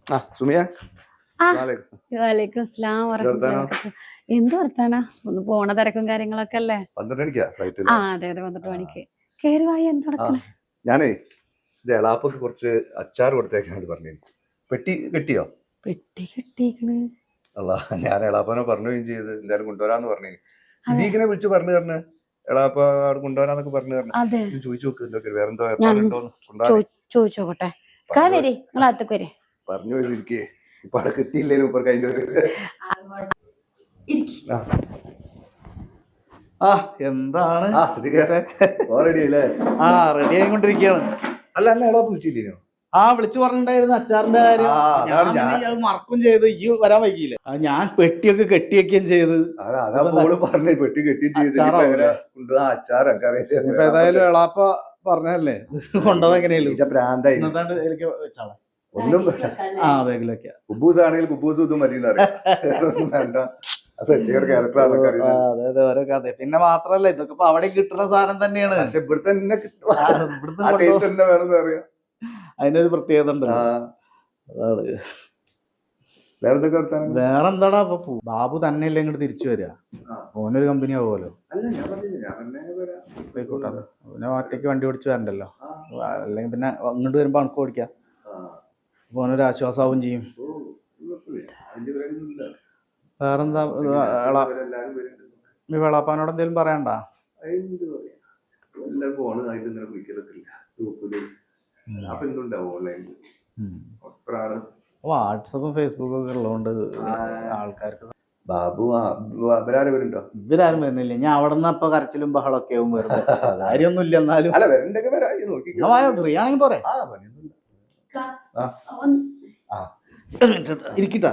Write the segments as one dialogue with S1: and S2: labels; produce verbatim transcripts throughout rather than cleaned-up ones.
S1: ആ സുമിയ
S2: വലൈക്കും സ്ലാം വറഹ്മത്തുള്ളാഹി. എന്ത് വർത്താനാ? ഒന്ന് പോണ തിരക്കും കാര്യങ്ങളൊക്കെ അല്ലേ? ആ അതെ അതെ പന്ത്രണ്ട് മണിക്ക് കേറി വായി. എന്ത് നടക്കണേ?
S1: ഞാനേ ഇത് എളാപ്പൊക്കെ കുറച്ച് അച്ചാർ കൊടുത്തേക്കാണ് പറഞ്ഞു. പെട്ടി കെട്ടിയോ?
S2: പെട്ടി കെട്ടിക്കണ്.
S1: അല്ല ഞാൻ എളാപ്പനെ പറഞ്ഞുകയും ചെയ്ത് എന്തായാലും കൊണ്ടുവരാന്ന് പറഞ്ഞു. സിദ്ദീഖിനെ വിളിച്ച് പറഞ്ഞു തരണേ എളാപ്പ അവിടെ കൊണ്ടുവരാന്നൊക്കെ പറഞ്ഞു തരണം. ചോദിച്ചു നോക്ക് വേറെന്തോ
S2: ചോദിച്ചോട്ടെ.
S1: പറഞ്ഞു പോയിരിക്കേ ഇപ്പൊ അവിടെ കിട്ടിയില്ലേലും ഇപ്പൊ കഴിഞ്ഞ
S3: ആ എന്താണ്
S1: റെഡിയല്ലേ?
S3: ആ റെഡി ആയിക്കൊണ്ടിരിക്കുകയാണ്.
S1: അല്ല അല്ല എളാപ്പ് വിളിച്ചില്ലേനോ?
S3: ആ വിളിച്ചു പറഞ്ഞിട്ടുണ്ടായിരുന്നു അച്ചാറിന്റെ കാര്യം. ഞാൻ മറക്കും ചെയ്ത് ഈ വരാൻ വൈകിയില്ലേ. ഞാൻ പെട്ടിയൊക്കെ കെട്ടിയൊക്കെയും ചെയ്ത്
S1: പറഞ്ഞു പെട്ടി കെട്ടി
S3: ഏതായാലും എളാപ്പ പറഞ്ഞല്ലേ കൊണ്ടുപോകാൻ എങ്ങനെയല്ലോ
S1: പ്രാന്തായി
S3: വെച്ചാളെ
S1: ഒന്നും
S3: ആ ബാഗിലൊക്കെ.
S1: കുബൂസ് ആണെങ്കിൽ കുബൂസ് ഇതും മതി വേണ്ട.
S3: അതെ ഓരോ കഥ. പിന്നെ മാത്രല്ല ഇതൊക്കെ ഇപ്പൊ അവിടെ കിട്ടുന്ന സാധനം തന്നെയാണ്.
S1: പക്ഷെ ഇവിടുത്തെ തന്നെ വേണമെന്ന് അറിയാം.
S3: അതിനൊരു പ്രത്യേകത ഉണ്ടല്ലോ. അതാണ്.
S1: വേറെന്തൊക്കെ
S3: വേറെന്താടാ ഇപ്പൊ ബാബു തന്നെ അല്ലേ ഇങ്ങോട്ട് തിരിച്ചു വരിക? ഓനൊരു കമ്പനി ആവുമല്ലോ. പോയിക്കോട്ടെ. പിന്നെ ഒറ്റയ്ക്ക് വണ്ടി ഓടിച്ച് വരണ്ടല്ലോ. അല്ലെങ്കിൽ പിന്നെ അങ്ങോട്ട് വരുമ്പോ അണക്ക് ഓടിക്കാം. ഓനൊരു ആശ്വാസമാവും ചെയ്യും. വേറെന്താ വെളാപ്പാനോട് എന്തേലും പറയണ്ട? വാട്സപ്പും ഫേസ്ബുക്കും ഒക്കെ ഉള്ളതുകൊണ്ട് ആൾക്കാർക്ക്
S1: ബാബു ഇവരാരും വരുന്നുണ്ടോ?
S3: ഇവരാരും വരുന്നില്ല. ഞാൻ അവിടെ നിന്ന് അപ്പൊ കരച്ചിലും ബഹളൊക്കെ ആവും. വെറുതെ കാര്യമൊന്നും ഇല്ല. എന്നാലും ഫ്രീ ആണെങ്കിൽ പോരെ. ഇരിക്കട്ടാ.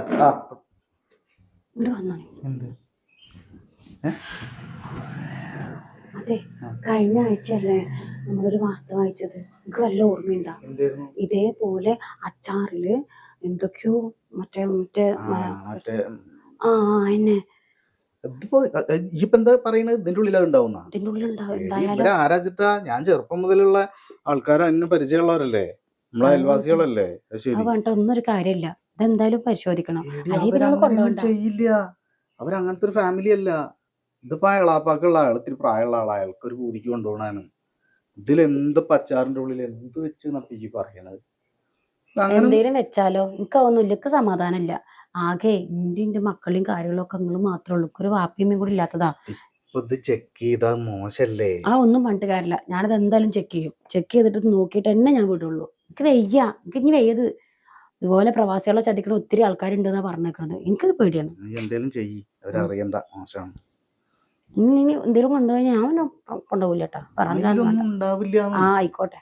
S2: അതെ, കഴിഞ്ഞ ആഴ്ചയല്ലേ നമ്മളൊരു വാർത്ത വായിച്ചത്? എനിക്ക് വല്ല ഓർമ്മയുണ്ടാ? ഇതേപോലെ അച്ചാറില് എന്തൊക്കെയോ മറ്റേ മറ്റേ ആ എന്നെ
S3: ഇപ്പൊ എന്താ പറയണത്? ഇതിന്റെ ഉള്ളിൽ ഉണ്ടാവുന്ന
S2: ഇതിന്റെ ഉള്ളിൽ
S3: ആരാച്ചിട്ടാ? ഞാൻ ചെറുപ്പം മുതലുള്ള ആൾക്കാർ അതിന് പരിചയമുള്ളവരല്ലേ, നമ്മളെ അയൽവാസികളല്ലേ.
S2: ഒന്നൊരു കാര്യമില്ല, ഇതെന്തായാലും പരിശോധിക്കണം.
S3: ചെയ്യില്ല, അവരങ്ങനത്തെ ഒരു ഫാമിലി അല്ല. ഇതിപ്പോ എളാപ്പാക്കുള്ള ആൾ ഇത്തിരി പ്രായമുള്ള ആളാ, അയാൾക്ക് ഒരു പൂതിക്ക് കൊണ്ടുപോകണാണ്. ഇതിലെന്ത് പച്ചാറിന്റെ ഉള്ളിൽ എന്ത് വെച്ച് ഈ പറയണത്?
S2: എന്തേലും വെച്ചാലോ? എനിക്കൊന്നുമില്ല, എനിക്ക് സമാധാനമില്ല. ആകെ എന്റെ മക്കളെയും കാര്യങ്ങളൊക്കെ നിങ്ങൾ മാത്രമേ ഉള്ളൂ, ഒരു വാപ്പിയമ്മയും കൂടി ഇല്ലാത്തതാ.
S3: ഇത് ചെക്ക് ചെയ്താ മോശല്ലേ?
S2: ആ ഒന്നും പറഞ്ഞിട്ട് കാര്യമില്ല, ഞാനത് എന്തായാലും ചെക്ക് ചെയ്യും. ചെക്ക് ചെയ്തിട്ട് നോക്കിയിട്ട് എന്നെ ഞാൻ വിടുള്ളൂ. എനിക്ക് വയ്യ, എനിക്ക് ഇനി വയ്യത്. ഇതുപോലെ പ്രവാസികളെ ചതിക്കുന്ന ഒത്തിരി ആൾക്കാരുണ്ടെന്നാ പറഞ്ഞേക്കുന്നത്. എനിക്കത് പേടിയാണ്.
S3: എന്തേലും ചെയ്യ്, അവരറിയണ്ട. മോശമാണ്.
S2: ഇനി ഇനി എന്തേലും കൊണ്ടുപോയി ഞാൻ കൊണ്ടുപോകില്ല കേട്ടോ.
S3: പറഞ്ഞില്ല.
S2: ആ ആയിക്കോട്ടെ.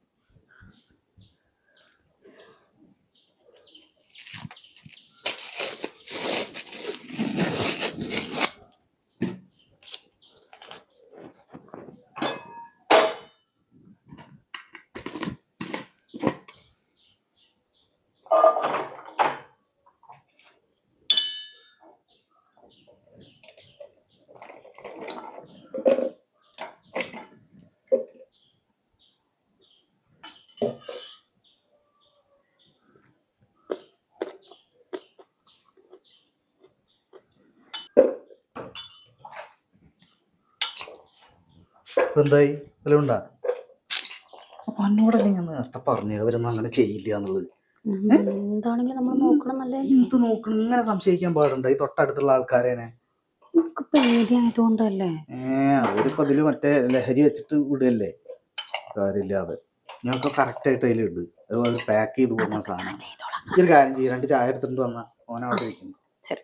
S3: എന്തായി? വല്ലതും ഉണ്ടാ? അപ്പൊ എന്നോടല്ലേ ഞാൻ നേരത്തെ പറഞ്ഞത് അവരൊന്നും അങ്ങനെ ചെയ്യില്ല എന്നുള്ളത്.
S2: എന്താണെങ്കിലും നമ്മൾ നോക്കണം. നല്ല
S3: എന്ത് നോക്കണം? ഇങ്ങനെ സംശയിക്കാൻ പാടുണ്ടോ ഈ തൊട്ടടുത്തുള്ള ആൾക്കാരേനെ?
S2: പേടിയായതുകൊണ്ടല്ലേ?
S3: ഏഹ് അവരിപ്പോ അതില് മറ്റേ ലഹരി വെച്ചിട്ട് വിടുകയല്ലേ, കാര്യമില്ലാതെ. ഞങ്ങൾക്ക് കറക്റ്റ് ആയിട്ട് അതിൽ ഇട്. അതുപോലെ പാക്ക് ചെയ്ത് പോകുന്ന സാധനം. ഒരു കാര്യം ചെയ്യും, രണ്ട് ചായ എടുത്തിട്ട് വന്നാ ഓനവിടെ ഇരിക്കുന്നു.
S2: ശരി.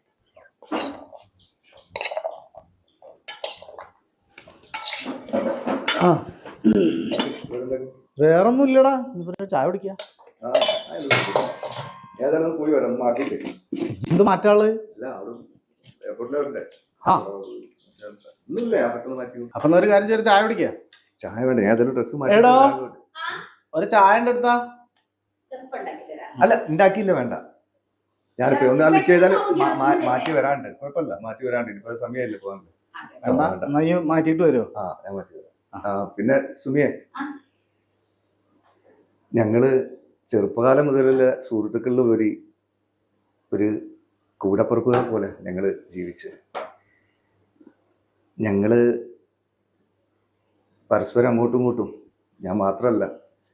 S3: ആ വേറൊന്നും ഇല്ലടാ, ചായ കുടിക്കാ. എന്ത് മാറ്റാള്? ആ അപ്പൊ ഒരു കാര്യം ചെയ്ത് ചായ കുടിക്കാ.
S1: ചായ വേണ്ട, ഞാൻ ഡ്രസ്
S3: എടോ ഒരു ചായ എടുത്താ.
S1: അല്ല ഉണ്ടാക്കിയില്ല, വേണ്ട. ഞാനിപ്പോ ഒന്ന് അലിക്ക് ചെയ്താൽ മാറ്റി വരാണ്ട്. കുഴപ്പമില്ല, മാറ്റി വരാണ്ട്. ഇപ്പൊ സമയമില്ല പോകാൻ.
S3: മാറ്റിട്ട് വരുമോ?
S1: ആ ഞാൻ മാറ്റി വരാം. ആ പിന്നെ സുമിയെ, ഞങ്ങള് ചെറുപ്പകാലം മുതലുള്ള സുഹൃത്തുക്കളിൽ ഉപരി ഒരു കൂടപ്പുറപ്പുകളെ പോലെ ഞങ്ങൾ ജീവിച്ച് ഞങ്ങൾ പരസ്പരം അങ്ങോട്ടും ഇങ്ങോട്ടും, ഞാൻ മാത്രമല്ല,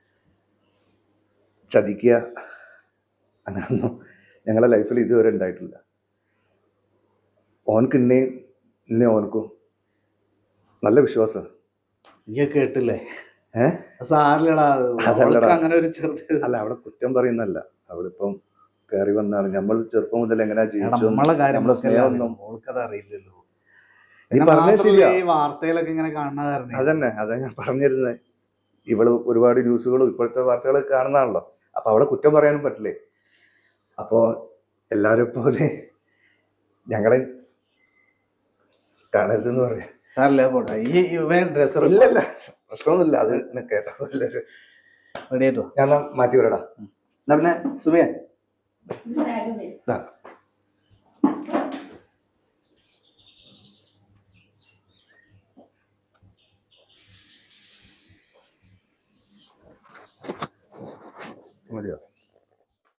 S1: ചതിക്കുക അങ്ങനൊന്നും ഞങ്ങളുടെ ലൈഫിൽ ഇതുവരെ ഉണ്ടായിട്ടില്ല. ഓനക്ക് ഇന്നേ ഇന്നേ ഓനക്കും നല്ല വിശ്വാസം.
S3: നീ കേട്ടില്ലേ?
S1: ഏഹ്
S3: സാറിലടാ
S1: അതല്ലടാ.
S3: അങ്ങനെ ഒരു ചെറുത്
S1: അല്ല, അവിടെ കുറ്റം പറയുന്നല്ല, അവളിപ്പം കയറി വന്നാണ്. നമ്മൾ ചെറുപ്പം മുതൽ എങ്ങനെയാ ജീവിച്ചു,
S3: നമ്മളെ കാര്യം
S1: നമ്മളെ സ്നേഹമൊന്നും
S3: ഓൾക്കത് അറിയില്ലല്ലോ.
S1: നീ പറഞ്ഞ ശരിയാ.
S3: ഈ വാർത്തയിലൊക്കെ ഇങ്ങനെ കാണുന്ന കാരണം
S1: അതന്നെ അതാ ഞാൻ പറഞ്ഞിരുന്നത്. ഇവള് ഒരുപാട് ന്യൂസുകളും ഇപ്പോഴത്തെ വാർത്തകളൊക്കെ കാണുന്നതാണല്ലോ. അപ്പൊ അവളെ കുറ്റം പറയാനും പറ്റില്ലേ. അപ്പോ എല്ലാരെ പോലെ ഞങ്ങളെ കാണരുതെന്ന് പറയാം.
S3: സാറല്ലേ പോട്ടെ. ഈ ഡ്രസ്സർ
S1: ഇല്ലല്ല, പ്രശ്നമൊന്നുമില്ല. അത് കേട്ടോ
S3: റെഡി ആയിട്ടോ?
S1: ഞാൻ എന്നാ മാറ്റി വരടാ. എന്നാ പിന്നെ സുമിയ മതിയോ?